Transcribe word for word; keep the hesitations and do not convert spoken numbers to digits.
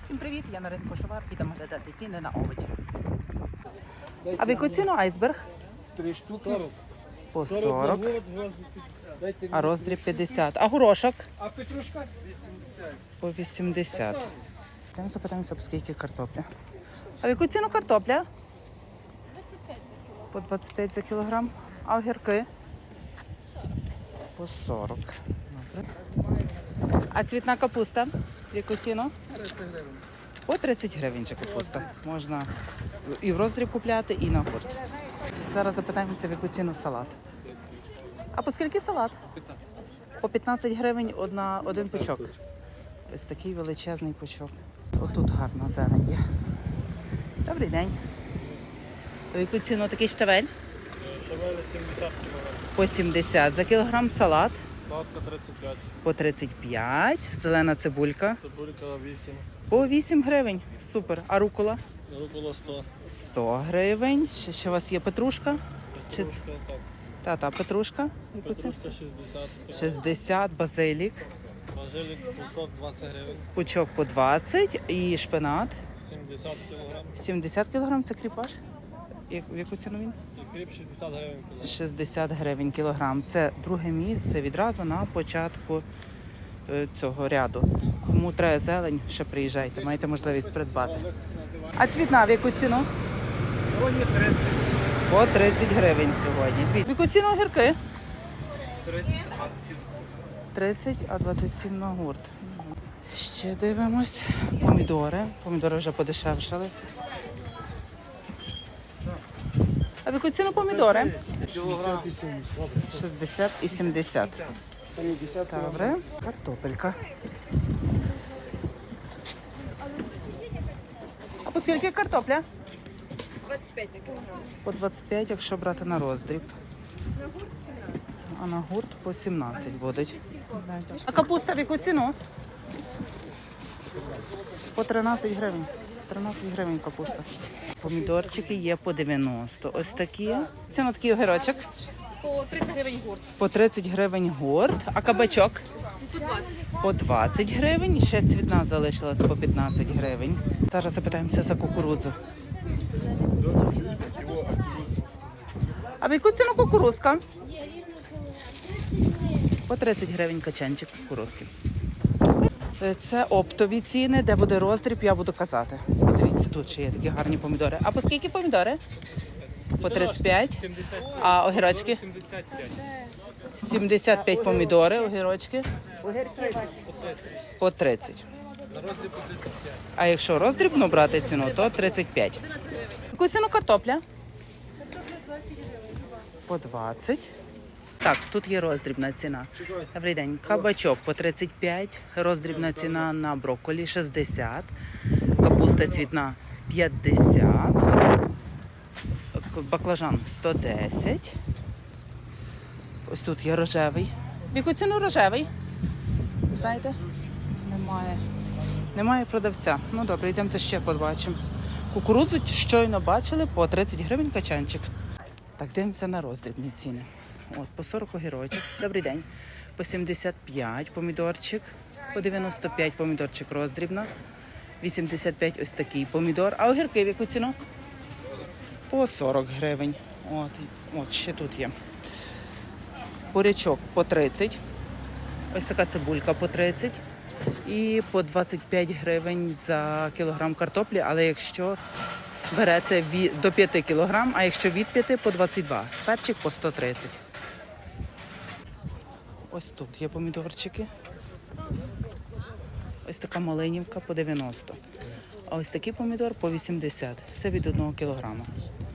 Всім привіт! Я на ринку Шовар. Ідемо глядати ціни на овочі. А в яку ціну айсберг? Три штуки. По сорок. А роздріб п'ятдесят. А горошок? А петрушка? По вісімдесят. Йдемо запитаємося, по скільки картопля. А в яку ціну картопля? По двадцять п'ять за кілограм. А огірки? По сорок. Добре. А цвітна капуста? В яку ціну? По тридцять гривень же капуста. Можна і в роздріб купляти, і на гурт. Зараз запитаємося, в яку ціну салат. А по скільки салат? По п'ятнадцять гривень одна, один пучок. Ось такий величезний пучок. Отут гарна зелень є. Добрий день. В яку ціну такий щавель? Щавель сімдесят кілограм. По сімдесят. За кілограм салат? Салатка тридцять п'ять. По тридцять п'ять. Зелена цибулька? Цибулька вісім. По вісім гривень. Супер. А рукола? Рукола сто. сто гривень. Ще, ще у вас є петрушка? Чи... Петрушка так. Та-та, петрушка? Яку ціну? Петрушка шістдесят. шістдесят. Базилік. Базилік пучок двадцять гривень. Пучок по двадцять. І шпинат? сімдесят кілограм. сімдесят кілограм. Це кріпаш? Як- В яку ціну він? І кріп шістдесят гривень. кілограм. шістдесят гривень кілограм. Це друге місце відразу на початку е, цього ряду. Кому треба зелень, ще приїжджайте, маєте можливість придбати. А цвітна в яку ціну? Сьогодні тридцять. По тридцять гривень сьогодні. В яку ціну огірки? тридцять, двадцять сім. тридцять, а двадцять сім на гурт. Ще дивимось. Помідори. Помідори вже подешевшали. А в яку ціну помідори? Кілограм. шістдесят і сімдесят. Добре. Картопелька. А по скільки картопля? двадцять п'ять на кілограм. По двадцять п'ять, якщо брати на роздріб. На гурт сімнадцять. А на гурт по сімнадцять будуть. А капуста в яку ціну? По тринадцять гривень. тринадцять гривень капуста. Помідорчики є по дев'яносто. Ось такі. Ціна такий огірочок. По тридцять гривень гурт. По тридцять гривень гурт. А кабачок? По двадцять. По двадцять гривень. І ще цвітна залишилась по п'ятнадцять гривень. Зараз запитаємося за кукурудзу. А в яку ціну кукурузка? По тридцять гривень качанчик кукурузки. Це оптові ціни, де буде роздріб, я буду казати. Подивіться, тут ще є такі гарні помідори. А по скільки помідори? По тридцять п'ять. сімдесят. А огірочки? сімдесят п'ять. сімдесят п'ять помідори, огірочки. По тридцять. На роздріб по тридцять п'ять. А якщо роздрібно брати ціну, то тридцять п'ять. Яку ціну картопля? По двадцять. Так, тут є роздрібна ціна. Добрий день. Кабачок по тридцять п'ять, роздрібна ціна на брокколі шістдесят, капуста цвітна п'ятдесят, баклажан сто десять. Ось тут є рожевий. В яку ціну рожевий? Знаєте? Немає. Немає продавця. Ну добре, йдемо ще побачимо. Кукурудзу щойно бачили по тридцять гривень качанчик. Так, дивимося на роздрібні ціни. От, по сорок огірочок. Добрий день. По сімдесят п'ять помідорчик, по дев'яносто п'ять помідорчик роздрібна, вісімдесят п'ять ось такий помідор. А огірки в яку ціну? По сорок гривень. От, от ще тут є. Бурячок по тридцять. Ось така цибулька по тридцять. І по двадцять п'ять гривень за кілограм картоплі, але якщо берете від, до п'яти кілограм, а якщо від п'яти по двадцять два. Перчик по сто тридцять. Ось тут є помідорчики. Ось така малинівка по дев'яносто. А ось такий помідор по вісімдесят. Це від одного кілограма.